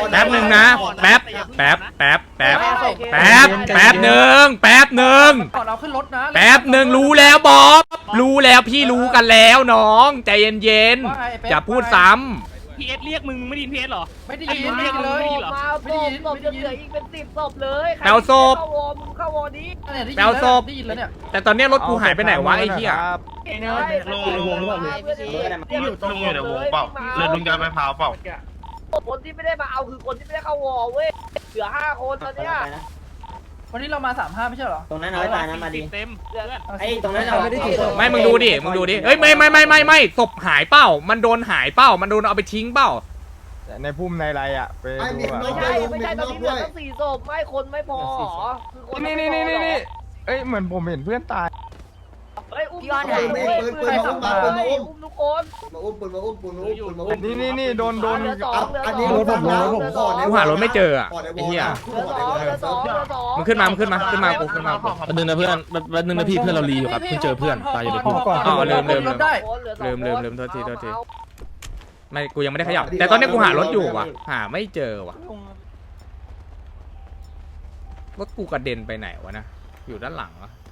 [SPEAKER 3] แป๊บหนึ่งนะแป๊บแป๊บแป๊บแป๊บแป๊บแป๊บหนึ่งแป๊บหนึ่ง
[SPEAKER 6] ก่อนเอาขึ้นรถนะ
[SPEAKER 3] แป๊บหนึ่งรู้แล้วบอสรู้แล้วพี่รู้กันแล้วน้องใจเย็นๆอย่าพูดซ้ำ
[SPEAKER 5] พีเอสเรียกมึงไม่ได้ยินพีเอสหรอ
[SPEAKER 6] ไม่ได้ยินไม่ได้ยินเลย
[SPEAKER 1] มาศพศพจะเหลืออีกเป็นสิบศพเลยใคร
[SPEAKER 3] แปลวศพ
[SPEAKER 1] เข้าวอมึงเข้าวอนี้
[SPEAKER 6] เนี่ยได้ยิน
[SPEAKER 3] แปลวศพ
[SPEAKER 6] ได้ยินแล้วเนี่ย
[SPEAKER 3] แต่ตอนเนี้ยรถกูหายไปไหนวะไอ้เหี้ย
[SPEAKER 5] ลุงลุง
[SPEAKER 1] ลุง
[SPEAKER 5] ลุงอยู่ในวงเปล่าเรือลุงจะไปพาวเปล่า
[SPEAKER 1] คนที่ไม่ได้มาเอาคือคนที่ไม่ได้เข้าวอเว้ยเหลือห้าคนตอนเนี้ย
[SPEAKER 6] วันนี้เรามาสามห้าไม่ใช่เหรอ
[SPEAKER 7] ตรงนั้นเอาไว้ตายนะมาดี
[SPEAKER 5] เต็ม
[SPEAKER 7] ไอ้ตรงนั้นเอา
[SPEAKER 3] ไม่มึงดูดิมึงดูดิเอ้ยไม่ไม่ไม่ไม่ไม่ศพหายเป้ามันโดนหายเป้ามันโดนเอาไปทิ้งเป้า
[SPEAKER 4] ในพุ่มในไรอ่ะไปดูอ่ะ
[SPEAKER 1] ไม่ใช่ไม่ใช่ตอนนี้เหลือตั้งสี่ศพไม่คนไม่พอหรอคือคน
[SPEAKER 4] นี่นี่นี่นี่นี่เอ้ยเหมือนผมเห็นเพื่อนตาย
[SPEAKER 1] เฮ้ยอุ้มใครขับมาอุ้มทุกคน
[SPEAKER 11] มาอุ้มปืนมาอุ้มปืนมาอุ้มปืนมาอุ้ม
[SPEAKER 4] นี่นี่นี่โดนโดน
[SPEAKER 1] เหลือสองเหลือสอง
[SPEAKER 11] อันนี้รถผมรถผมก่อน
[SPEAKER 3] กูหารถไม่เจออ่ะ
[SPEAKER 11] ก่อนในว
[SPEAKER 3] ไอ้
[SPEAKER 11] อ
[SPEAKER 3] เหี้ย
[SPEAKER 1] เหลือสองเหลือสองเหลือสอง
[SPEAKER 3] มึงขึ้นมามึงขึ้นมาขึ้นมากูขึ้นมากู
[SPEAKER 2] แป๊บนึงนะเพื่อนแป๊บนึงนะพี่เพื่อนเรารีอยู่ครับเพิ่งเจอเพื่อนตายอยู่ในพุ่ม
[SPEAKER 3] อ๋อลืมลืมลืม
[SPEAKER 6] ได้
[SPEAKER 3] ลืมลืมลืมโทษทีโทษทีไม่กูยังไม่ได้ขยับแต่ตอนนี้กูหารถอยู่ว่ะหาไม่เจอว่ะรถกูกระเด็นไปไหนวะนะอยู่ด้านหลังวะ